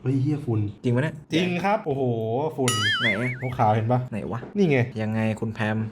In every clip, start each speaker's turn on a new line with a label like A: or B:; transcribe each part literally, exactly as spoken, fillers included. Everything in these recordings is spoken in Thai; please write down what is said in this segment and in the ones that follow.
A: เฮ้ยเฮียฝุ่น
B: จริงปะเนี่ย
A: จริงครับโอ้โหฝุ่น
B: ไหน
A: ขาวๆเห็นปะ
B: ไหนวะ
A: นี่ไง
B: ยังไงคุณแพม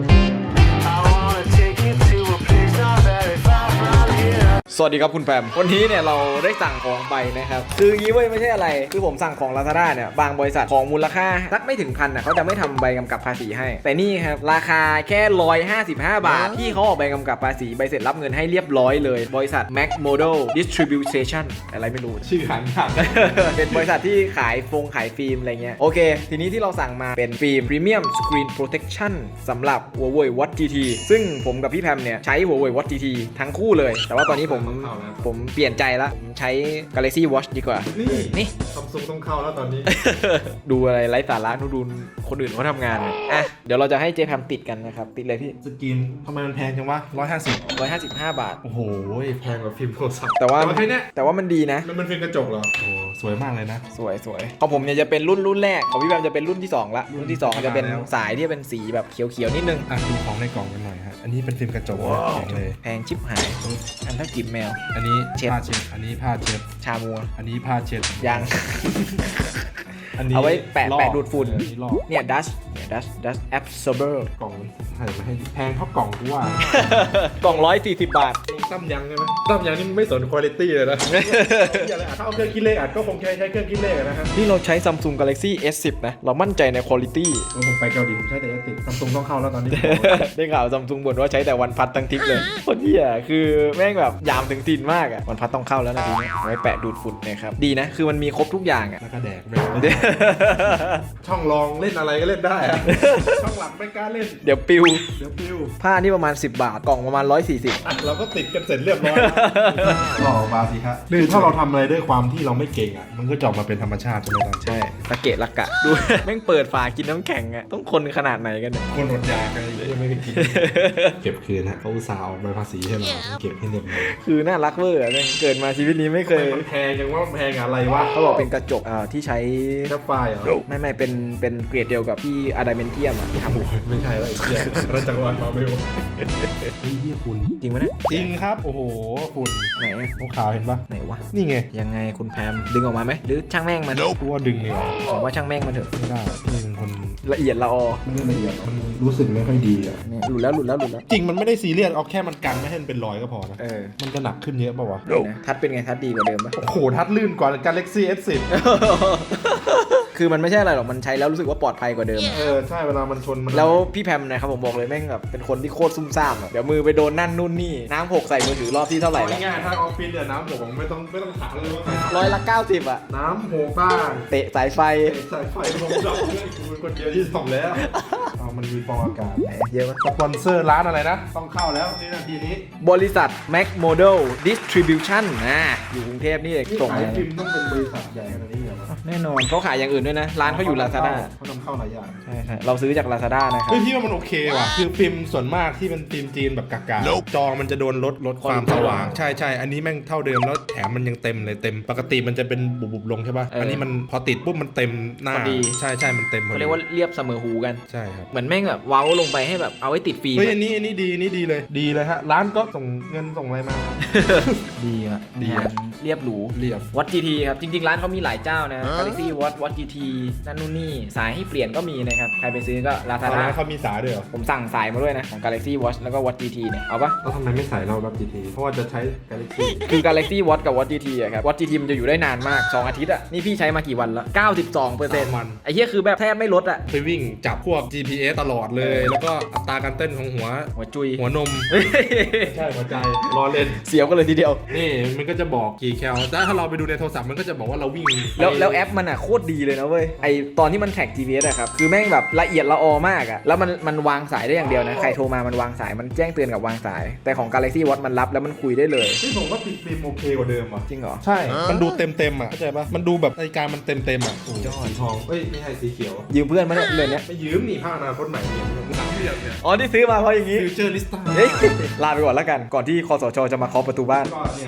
B: สวัสดีครับคุณแพมวันนี้เนี่ยเราได้สั่งของไปนะครับคืองี้เว้ยไม่ใช่อะไรคือผมสั่งของ Lazada เนี่ยบางบริษัทของมูลค่าสักไม่ถึงพันอ่ะเขาจะไม่ทำใบกำกับภาษีให้แต่นี่ครับราคาแค่หนึ่งร้อยห้าสิบห้าบาทที่เขาออกใบกำกับภาษีใบเสร็จรับเงินให้เรียบร้อยเลยบริษัท Mac Model Distribution อะไรไม่รู้
A: ชื่อหันหัก
B: เป็นบริษัทที่ขายฟงขายฟิล์มอะไรเงี้ยโอเคทีนี้ที่เราสั่งมาเป็นฟิล์ม Premium Screen Protection สำหรับ Huawei Watch จี ที ซึ่งผมกับพี่แพมเนี่ยใช้ Huawei Watch จี ที ทั้งคู่เลยแต่ว่าตอนนี้ผมผมเปลี่ยนใจแล้วผมใช้ Galaxy Watch ดีกว่านี่ นี่
A: ซัมซุงต้องเข้าแล้วตอนนี้
B: ดูอะไรไร้สาระดูคนอื่นเขาทำงานเนี่ยอ่ะเดี๋ยวเราจะให้เจแพมติดกันนะครับติดเลยพี่
A: สกินทำไมมันแพงจังวะร้อยห้าสิบ
B: หนึ่งร้อยห้าสิบห้าบาท
A: โอ้โหแพงกว่าฟิล์มโทรศัพท์
B: แต่ว่า
A: แค่เนี้ย
B: แต่ว่ามันดีนะ
A: มันมันเป็นกระจกเหรอโอ้สวยมากเลยนะ
B: สวยสวยของผมเนี่ยจะเป็นรุ่นรุ่นแรกของพี่แบมจะเป็นรุ่นที่สองละรุ่นที่สองจะเป็นสายที่เป็นสีแบบเขียวๆนิดนึง
A: อ่ะดูของในกล่องกันหน่อยฮะอันนี้เป็นฟิล์มกระจกนะแข็งเลย
B: แพงชิบหายอันเท่าจิบแมว
A: อันนี้
B: เช็ด
A: ผ้าเช็ดอันนี้ผ้าเช็ด
B: ชามัว
A: อันนี้ผ้าเช็ด
B: ยัง
A: อันนี้
B: เอาไว้แปะ
A: ลอก
B: แปะดูดฝุ่น
A: อันนี้ลอก
B: เนี่ยดัชเนี่ยดัชดัชแอบซอร์เบอร์
A: กล่องให้มาให้แพงเท่ากล่องกูว่า
B: กล่องร้อยสี่สิบบาท
A: ตั้มยังใช่ไหมตั้มยังนี่ไม่สนคุณภาพเลยนะ อย่าเลยอ่ะถ้าเอาเครื่องคิดเลขอ่ะก็คงใช้ใช้เครื่องคิดเลขนะครับ
B: นี่เราใช้ Samsung Galaxy เอส สิบ นะ เรามั่นใจในคุณภาพ
A: ผมไปเกาหลีผมใช้แต่เอสติซัมซุงต้องเข้าแล้วตอนนี้
B: ได้ข่าว Samsung บ่นว่าใช้แต่วันพัดทั้งทริปเลยคนเหี้ยคือแม่งแบบยามถึงตีนมากอะวันพัดต้องเข้าแล้วนะทีนี้เอาไว้แปะดูดฝุ่นนะครับดีนะคือมันมีครบทุกอย่างอะ
A: แล้วก็แดกแบบช่องรองเล่นอะไรก็เล่นได้อะ ช่องหลักไม่กล้าเล่น
B: เดี๋ยวปิว
A: เดี๋ยวปิว
B: ผ้านี่ประมาณสิบบาทกล่องประมาณร้อยสี่สิบ
A: อ่ะเราก็ติดกันเสร็จเรียบร้อยหล่อบาสิฮะคือถ้าเราทำอะไรด้วยความที่เราไม่เก่งอ่ะมันก็จะออกมาเป็นธรรมชาติใช่ไหมครับ
B: ใช่ตะเกะละกะดู แม่งเปิดฝากินน้ำแข็งอะต้องคนขนาดไหนกันเนี่ย
A: คนอดอยากอะไรยังไม่ได้กิน เก็บคืนฮะเขาอุตส่าห์ออกใบภาษีให้เราเก็บให้เรียบร้อย
B: คือน่ารักเวอร์อะเนี่ยเกิดมาชีวิตนี้ไม่เคย
A: มันแพงยังว่ามันแพงอะไรวะ
B: เขาบอกเป็นกระจกอ่าที่ใช้
A: แค่ไฟล์เหรอ
B: ไม่ไม่เป็นเป็นเกรดเดียวกับที่อะดามนเทียมอ่ะที่ทำ
A: ไม่ใช่แล้วไอ้เหี้ยราชวัฒน์มาเบลเฮ้ยเหี้ยฝุ่น
B: จริงไหมเนี่ย
A: จริงครับโอ้โหฝุ่น
B: ไหน
A: ขาวๆเห็นปะ
B: ไหนวะ
A: นี่ไง
B: ยังไงคุณแพมดึงออกมาไหมหรือช่างแม่งมัน
A: กูว่าดึงเลยเหรอ
B: ผมว่าช่างแม่งมันเถอะ
A: ไม่ได้พี่เป็นคน
B: ละเอียดละออ
A: ไม่ละเอียดมันรู้สึกไม่ค่อยดีอ่ะ
B: เนี่ยหลุดแล้วหลุดแล้วหลุดแล้ว
A: จริงมันไม่ได้ซีเรียสเอาแค่มันกันไม่ให้มันเป็นรอยก็พอนะ
B: เออ
A: มันจะหนักขึ้นเยอะป่าวะ
B: นะทัดเป็นไงทัดดีกว่าเดิมปะ
A: โอ้โหทัดลื่นกว่า Galaxy เอส สิบ
B: คือมันไม่ใช่อะไรหรอกมันใช้แล้วรู้สึกว่าปลอดภัยกว่าเดิม
A: เออใช่เวลามันชนมัน
B: แล้วพี่แพมนะครับผมบอกเลยแม่งแบบเป็นคนที่โคตรซุ่มซ่ามอะเดี๋ยวมือไปโดนนั่นนู่นนี่น้ำหกใส่มือถือรอบที่เท่าไหร่แล้ว
A: ง่ายๆถ้าออฟฟิศเนี่ยน้ำหกไม่ต้องไม่ต้องถามเลยว่าใคร
B: ร้อยละเก้าสิบอะ
A: น้ำหกบ้าง
B: เตะสายไฟ
A: สายไฟลงดับเพื่อนกูเป็นคนเดียวที่ส่งแล้วเอามันมีฟองอากาศ
B: เยอะมาก
A: สปอนเซอร์ร้านอะไรนะ ต้องเข้าแล้วนี่นาทีนี้
B: บริษัท Mac Model Distribution นะอยู่กรุงเทพนี่เอง
A: นี่
B: ส่ง
A: ขาย
B: มา
A: ฟิล์มต้องเป็นบริษัทใหญ่ขนาดนี้เหรอวะ
B: แน่นอนเขาขายอย่างอื่นด้วยนะ ร้านเขาอยู่ Lazada
A: เขานำเข้าหลายอย่าง
B: ใช่ใช่เราซื้อจาก Lazada นะครับ
A: เฮ้ยพี่ว่ามันโอเคว่ะคือฟิล์มส่วนมากที่เป็นฟิล์มจีนแบบกากๆจอมันจะโดนลดลดความสว่างใช่ใช่อันนี้แม่งเท่าเดิมแล้วแถมมันยังเต็มเลยเต็มปกติมันจะเป็นบุบๆลงใช่ป่ะอันนี้มันพอติดปุ๊บมันเต็มหน้าใช่ใช่มันเต็ม
B: เขาเรียกว่าเรียบเสมอหูกัน
A: ใช่ครับ
B: เหมือนแม่งแบบเว้าลงไปให้แบบเอาไว้ติดฟิล์ม
A: เฮ้ยอันนี้อันนี้ดีนี่ดีเลยดีเลยฮะร้านก็ส่งเงินส่งอะไรมา
B: ดีอะ
A: ดีอะ
B: เรียบหรู
A: เรียบ
B: วัด จี ที ครับ จริง ๆ ร้านเขามีหลายเจ้านะ Galaxy Watch Watch จี ที นั่นนู่นนี่สายให้เปลี่ยนก็มีนะครับ ใครไปซื้อก็
A: ตอน
B: Lazada
A: นั้นเขามีสายด้วยเหรอ
B: ผมสั่งสายมาด้วยนะ ของ Galaxy Watch แล้วก็ Watch จี ที เนี่ย เอาปะ
A: แล้วทำไมไม่ใส่เราแบบ จี ที เพราะว่าจะใช้ Galaxy
B: คือ Galaxy Watch กับ Watch จี ที อะครับ Watch จี ที มันจะอยู่ได้นานมาก สอง อาทิตย์อะนี่พี่ใช้มากี่วันแล้ว เก้าสิบสองเปอร์เซ็นต์
A: วัน
B: ไอ้เหี้ยคือแบบแทบไม่ลดอะ
A: ไปวิ่งจับพวก จี พี เอส ตลอดเลย แล้วก็อัตราการเต้นของหัว
B: หัวจุย
A: หัวนม ใช่หัวใจรอเล่น
B: เสียวกันเลยทีเดียว
A: นี่มันก็จะบอกกี่แคลแต่ถ้าเราไปดูในโทรศัพท์มันก็จะบอกว่าเราวิ่ง
B: แล้วแล้วแอปมันอ่ะโคตรดีเลยนะเว้ยไอตอนที่มันแท็ก จี พี เอส อะครับคือแม่งแบบละเอียดละออมากอะแล้วมันมันวางสายได้อย่างเดียวนะใครโทรมามันวางสายมันแจ้งเตือนกับวางสายแต่ของ Galaxy Watch มันรับแล้วมันคุยได้เลย
A: ที่ผมว่าติดฟิล์มโอเคกว่าเดิมอ่ะ
B: จริงเหรอ
A: ใช่ มันดูเต็มเต็มๆอ่ะเข้าใจปะมันดูแบบนาฬิกามันเต็มเต็มๆอ่ะยอดสีทองเอ้ยไม่ใช่สีเขียว
B: ยืมเพื่อนมาเนี่ยเรื่องเนี้ย
A: ไม่ยืมนี่ผ้าอนาคตใหม่เนี่ยสามเหลี่ยมเนี่ย
B: อ๋อที่ซื้อมาเพราะอย่างงี้
A: ฟิวเจอร์ลิสต้า
B: เฮ้ยลาไปก่อนแล้วกันก่อนที่คสชจะมาเคาะประตูบ้าน
A: ก็เนี่ยฮะฟิล์ม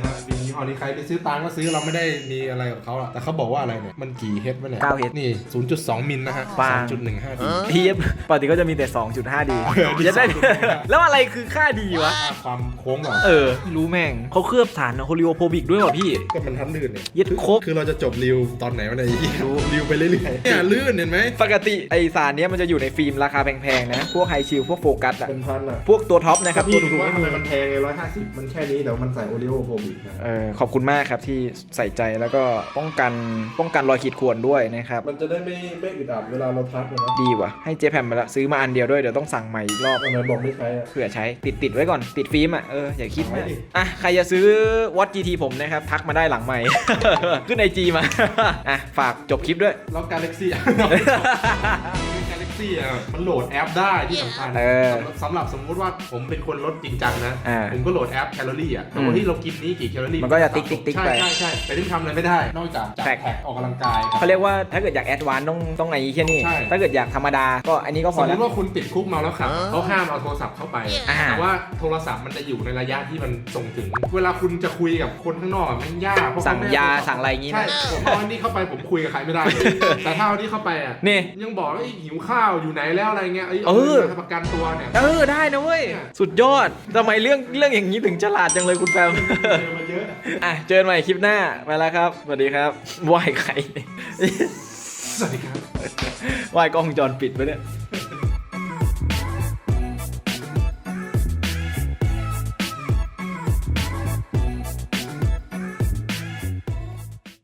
A: ยี่ห้อนี้ใครไปซื้อตามก็ซื้อเราไม่ได้มีอะไรกับเขาอะแต่เขาบอกว่าอะไรเนี่ยมันกี่เฮดวะเนี่ย
B: เก้าเฮด
A: นี่ ศูนย์จุดสอง มิลนะฮะ
B: ปัง
A: สองจุดหนึ่งห้า ดี
B: เทียบปกติก็จะมีแต่ สองจุดห้า ดี
A: เออ
B: จะได้ แล้วอะไรคือค่าดีวะ
A: ค่าความโค้งเหรอ
B: เออไม่รู้แม่งเขาเคลือบฐานโฮลิโอโพบิกด้วยว่ะพี่
A: ก็มันทันลื่นเนี่ย
B: ยึดครบ
A: คือเราจะจบรีวตอนไหนวะเนี่ยไอ้เหี้ยรีวไปเรื่อยๆเนี่ยลื่นเห็นไหม
B: ปกติไอสารเนี้ยมันจะอยู่ในฟิล์มราคาแพงๆนะ พวกไฮชิลพวกโฟกัสอะ
A: เป็นพันอะ
B: พวกตัวท็อปนะครับ
A: พี่
B: ตัว
A: ดู
B: ถูกๆ
A: ว่า
B: ไม่
A: ทำไม
B: มี
A: มันแพงไงร้อยห้าสิบมันแค่นี้เดี๋ยวมันใส่โอริโอโฟบิกนะ
B: เออขอบคุณมากครับที่ใส่ใจแล้วก็ป้องกันป้องกันรอยขีดข่วนด้วยนะครับ
A: มันจะได้ไม่ไม่อึดอัดเวลาเราทักนะ
B: ดีว่ะให้เจแพมมาละซื้อมาอันเดียวด้วยเดี๋ยวต้องสั่งใหม่อีกรอบ
A: ทำไมบอกไม่ใช้อะ
B: เผื่อใช้ติดติดไว้ก่อนติดฟิล์มอ่ะเอออย่าคิด
A: ไว้
B: มาก
A: ดิ
B: อ่ะใครจะซื้อวัด จี ที ผมนะครับทักมาได้หลังใหม่ ขึ้นไอจีมา อ่ะฝากจบคลิปด้วย
A: แล้วกาแล็กซี่ กาแล็กซี่อ่ะมันโหลดแอปได้ที่สำคัญ
B: เออ
A: สำหรับสมมุติว่าผมเป็นคนลดจริงจังนะ
B: อ่า
A: ผมก็โหลดแอปแคลอรี่อ่ะแต่ว่าที่เรากินนี้กี่แคลอรี่
B: มันก็จะติ๊กติ๊กติ๊ก
A: ใช่
B: ไป
A: ใช่ใช่แต่ที่ทำอะไรไม่ได้ นอกจากจับ
B: แท็ก
A: แท็กออกกำลังกายครับ
B: เขาเรียกว่าถ้าเกิดอยากแอดวานซ์ต้องต้องไอ้แค่นี้
A: ใช่
B: ถ้าเกิดอยากธรรมดาก็อันนี้ก็พ
A: ส
B: อ
A: มม
B: แล้ว
A: ติว่าคุณติดคุกเมาแล้วขับเขาห้ามเอาโทรศัพท์เข้าไป
B: อ่า
A: แต่ว่าโทรศัพท์มันจะอยู่ในระยะที่มันส่งถึง เวลาคุณจะคุยกับคนข้างนอกอะมันยากเพราะ
B: สั่ง
A: เขไม่
B: ยา
A: เอโทรศัพท์
B: สั่งอะไรอย่างงี้
A: ใช่
B: นะ
A: ผมเอาอันนี้เข้าไปผมคุยกับใครไม่ได้ แต่ถ้าเอาอันนี้เข้าไปอ่ะ
B: นี่
A: ยังบอกว่าไอ้หิวข้าวอยู่ไหนแล้วอะไรเงี้ยเอ้ย
B: เออ
A: าประกันตัวเนี่ย
B: เออได้นะเว้ย
A: เนี่ย
B: สุดยอดทำไมเรื่องเรื่องอย่างนี้ถึงฉลาดจังเลยคุณแฟม
A: เจอมาเยอะ
B: อ่ะเจอกันใหม่คลิปหน้าไปแล้วครับสวัสดีครับไหวใคร
A: สวัสดีครับ
B: ไหวกล้องวงจรปิดไปเนี่ย